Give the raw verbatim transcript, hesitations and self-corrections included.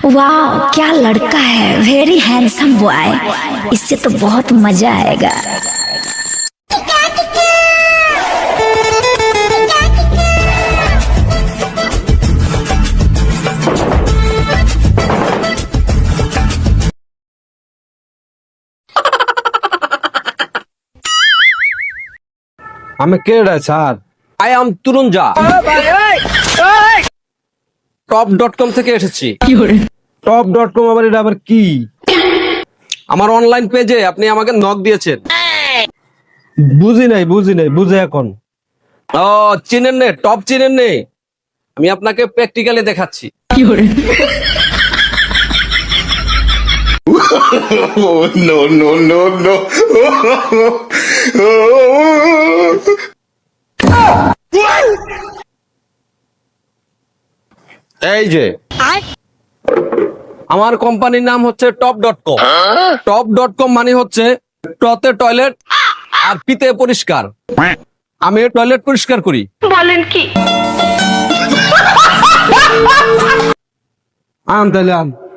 वाह क्या लड़का है, वेरी हैंडसम बॉय। इससे तो बहुत मजा आएगा। আমি কেডা স্যার? আই এম তুরুঞ্জা, টপ ডট কম থেকে এসেছি। টপ ডট কম আবার এটা আবার কি? আমার অনলাইন পেজে আপনি আমাকে নক দিয়েছেন। বুঝি নাই বুঝি নাই বুঝে এখন। ও চিনেন নে, টপ চিনেন নে? আমি আপনাকে প্র্যাকটিক্যালি দেখাচ্ছি। no, no, no, no. এই যে আমার কোম্পানির নাম হচ্ছে top dot com. Top dot com মানে হচ্ছে টতে টয়লেট আর পিতে পরিষ্কার। আমি টয়লেট পরিষ্কার করি। বলেন কি? আন তাহলে আন।